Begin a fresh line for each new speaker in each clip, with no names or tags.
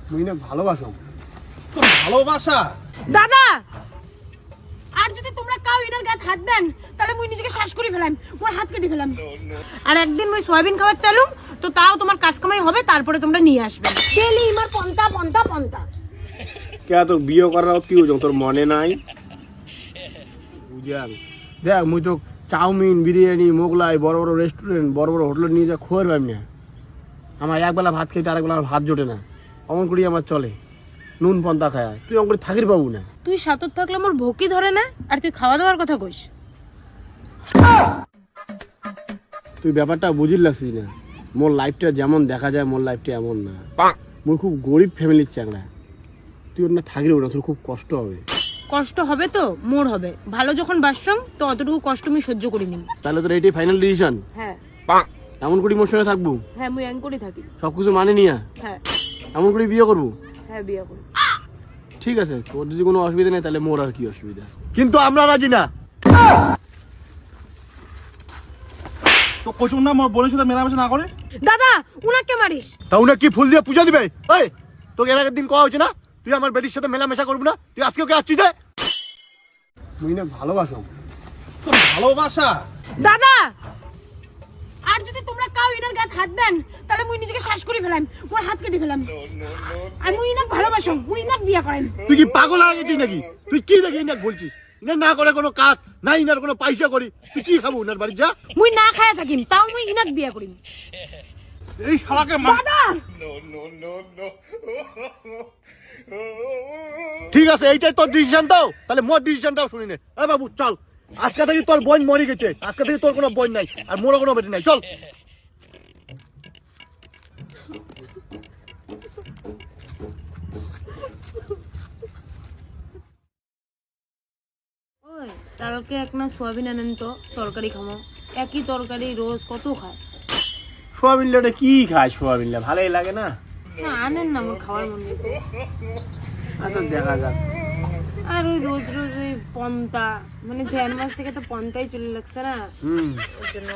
মুই না ভালোবাসো।
তোর ভালোবাসা
দাদা, আর যদি তোমরা কাউ ইনার গায়ে হাত দেন তাহলে মুই নিজেকে শ্বাস করে ফেলাম, মোর হাত কেটে ফেলাম। আর একদিন মুই সয়াবিন খাবার চালুম তো তাও তোমার কাজ কামাই হবে, তারপরে তোমরা নিয়ে আসবে। ডেলি ইমার পন্তা পন্তা পন্তা।
কে তো বিয়ে করার কি হইছ তোর মনে নাই? বুঝান দেখ মুই তো চাউমিন বিরিয়ানি মোগলাই বড় বড় রেস্টুরেন্ট বড় বড় হোটেলে নিয়ে যা খোয়ার পাই না। আমার একবেলা ভাত খাইতে আরেকবেলা আমার ভাত জোটে না, অমন করি আমার চলে। নুন পন্তা খায় তুই অমন করে থাকির পাবো না।
তুই সাতত থাকলে মোর ভোকি ধরে না, আর তুই খাওয়া দাওয়ার কথা কইস।
তুই ব্যাপারটা বুঝির লাগছিস না। মোর লাইফটা যেমন দেখা যায় মোর লাইফটা এমন না। মোর খুব গরিব ফ্যামিলির চ্যাংড়া। তুই ওর না থাকিরও না, তোর খুব কষ্ট হবে।
কষ্ট হবে তো মোর হবে, ভালো যখন বাসছং তো অতটুকু কষ্ট আমি সহ্য করি নিম।
তাহলে তোর এইটাই ফাইনাল ডিসিশন?
হ্যাঁ
এমন করি মোর সঙ্গে থাকবো?
হ্যাঁ মুই এং করে থাকি।
সবকিছু মানে নিয়া
হ্যাঁ
এমন করে বিয়ে করবো?
হ্যাঁ বিয়ে করি।
ঠিক আছে, তোর যদি কোনো অসুবিধা নেই তাহলে মোর আর কি অসুবিধা, কিন্তু আমরা রাজি না।
তো কচুর না মোর বোনের সাথে মেলামেশা না করে।
দাদা উনাকে মারিস?
তা উনি কি ফুল দিয়ে পূজা দিবে? এই তোকে এর আগের দিন কওয়া হয়েছে না তুই আমার বেটির সাথে মেলামেশা করবি না? তুই আজকে ওকে আসছিস যে মুই না ভালোবাসো।
তোর ভালোবাসা
দাদা, আর যদি তোমরা কাউ ইনার গায়ে হাত দেন তাহলে মুই নিজেকে শ্বাস করে ফেলাম, মোর হাত কেটে ফেলাম। আর মুই ইনাক ভালোবাসো, মুই ইনাক বিয়া করেন।
তুই কি পাগল হয়ে গেছিস নাকি? তুই কি দেখি ইনাক বলছিস? ইনার না করে কোনো কাজ না, ইনার কোনো পয়সা করি, তুই কি খাবো উনার বাড়ি যা?
মুই না খায়া থাকিম তাও মুই ইনাক বিয়া করিম।
এই শালাকে
দাদা
ঠিক আছে, এইটাই তোর ডিসিশন দাও, তাহলে মোর ডিসিশনটাও শুনি নে। এই বাবু চল, আজকে থেকে তোর বোন মরে গেছে, আজকে থেকে তোর কোনো বোন নাই আর মোরও কোনো বেটি নাই, চল।
ওই কালকে এক না সোয়াবিন আনেন তো, তরকারি খামো। একই তরকারি রোজ কত খায়?
সোয়াবিন লেটা কি খায়? সোয়াবিন লে ভালোই লাগে না।
না আনেন না, মোর খাওয়ার মন গেছে।
আচ্ছা দেখা যাক।
আর ওই রোজ রোজ ওই পন্তা, মানে 1.5 মাস থেকে তো পন্তাই চলে লাগছে না, ওর জন্য।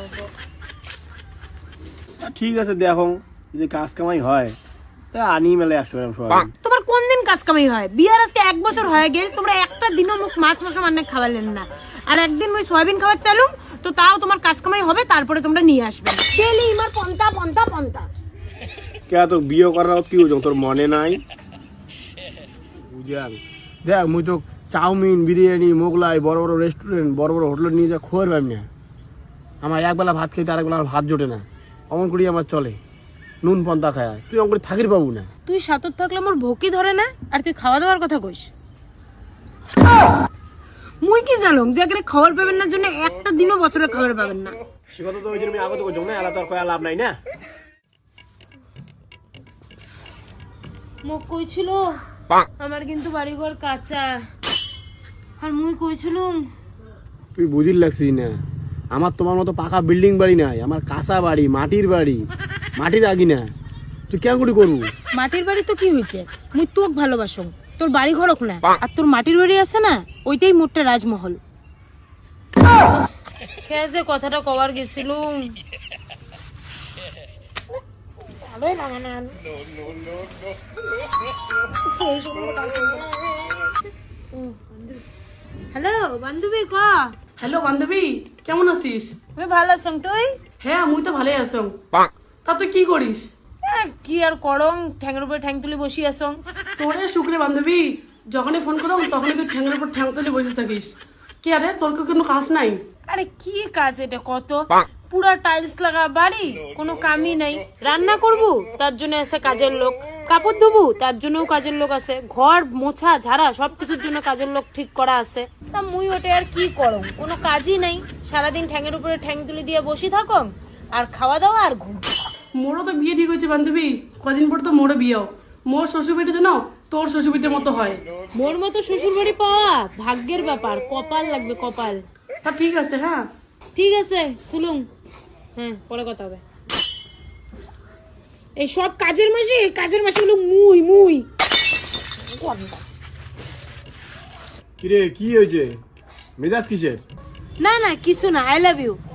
ঠিক আছে দেখো, যদি কাজ কামাই হয় তা আনি মেলে আসবে সোয়াবিন।
তোমার কোন দিন কাজ কামাই হয়? বিয়ার আজকে 1 বছর হয়ে গেল, তোমরা একটা দিনও মুখ মাছ মাংস মানে খাওয়ালেন না। আর একদিন ওই সয়াবিন খাবার চালুম তো তাও তোমার কাজ কামাই হবে, তারপরে তোমরা নিয়ে আসবে। ডেলি ইমার পন্তা পন্তা পন্তা।
কে তো বিয়ে করার কি হইছ তোর মনে নাই? বুঝান দেখ মুই তো চাউমিন বিরিয়ানি মোগলাই বড় বড় রেস্টুরেন্ট বড় বড় হোটেলে নিয়ে যা খোয়ার পাই না। আমার একবেলা ভাত খাইতে আরেকবেলা আমার ভাত জোটে না, অমন করি আমার চলে। নুন পন্তা খায় তুই অমন করে থাকির পাবো না।
তুই সাতত থাকলে মোর ভোকি ধরে না, আর তুই খাওয়া দাওয়ার কথা কইস। মুই কি জানো যে এখানে খাবার পাবেন না জন্য একটা দিনও বছরে খাবার পাবেন না।
সে কথা তো ওই জন্য আমি আগত করছি না, এলা তো আর কয়া লাভ নাই না।
মুখ কইছিল আমার কিন্তু বাড়িঘর কাঁচা, আর মুই কইছিলুম।
তুই বুঝির লাগছিস না, আমার তোমার মতো পাকা বিল্ডিং বাড়ি নাই, আমার কাঁচা বাড়ি, মাটির বাড়ি, মাটির আগি না। তুই কেন করে করবো?
মাটির বাড়ি তো কি হয়েছে, মুই তোক ভালোবাসং, তোর বাড়ি ঘর না। আর তোর মাটির বাড়ি আছে না, ওইটাই মোটটা রাজমহল। খেয়ে যে কথাটা কবার গেছিলুম, ভালোই লাগে না। হ্যালো বান্ধবী, ক।
হ্যালো বান্ধবী, কেমন আছিস?
আমি ভালো আছং, তুই?
হ্যাঁ মুই তো ভালোই আছো। তা তুই কি করিস?
কি আর করং, ঠ্যাংের উপরে ঠ্যাং তুলি বসি আসং।
তোরে শুক্রে বান্ধবী, যখনই ফোন করো তখনই তুই ঠ্যাংের উপর ঠ্যাং তুলে বসে থাকিস। কি আরে তোর কি কোনো কাজ নাই?
আরে কি কাজ এটা, কত পুরা টাইলস লাগা বাড়ি, কোনো কামই নাই। রান্না করবো তার জন্য আছে কাজের লোক, কাপড় ধোবো তার জন্যও কাজের লোক আছে, ঘর মোছা ঝাড়া সবকিছুর জন্য কাজের লোক ঠিক করা আছে। তা মুই ওটা আর কি করম, কোনো কাজই নাই। সারাদিন ঠ্যাংের উপরে ঠ্যাং তুলি দিয়ে বসি থাকম, আর খাওয়া দাওয়া আর ঘুম।
মোরও তো বিয়ে ঠিক হয়েছে বান্ধবী, কদিন পর তো মোরও বিয়েও। মোর শ্বশুরবাড়িতে যেন তোর শ্বশুরবাড়ির মতো হয়।
মোর মতো শ্বশুর বাড়ি পাওয়া ভাগ্যের ব্যাপার, কপাল লাগবে কপাল।
তা ঠিক আছে, হ্যাঁ
ঠিক আছে খুলুম, হ্যাঁ পরে কথা হবে। এই সব কাজের মাসে হলো মুই মুই।
কিরে কি হয়েছে? মেজাজ কিসের?
না না কিছু না, আই লাভ ইউ।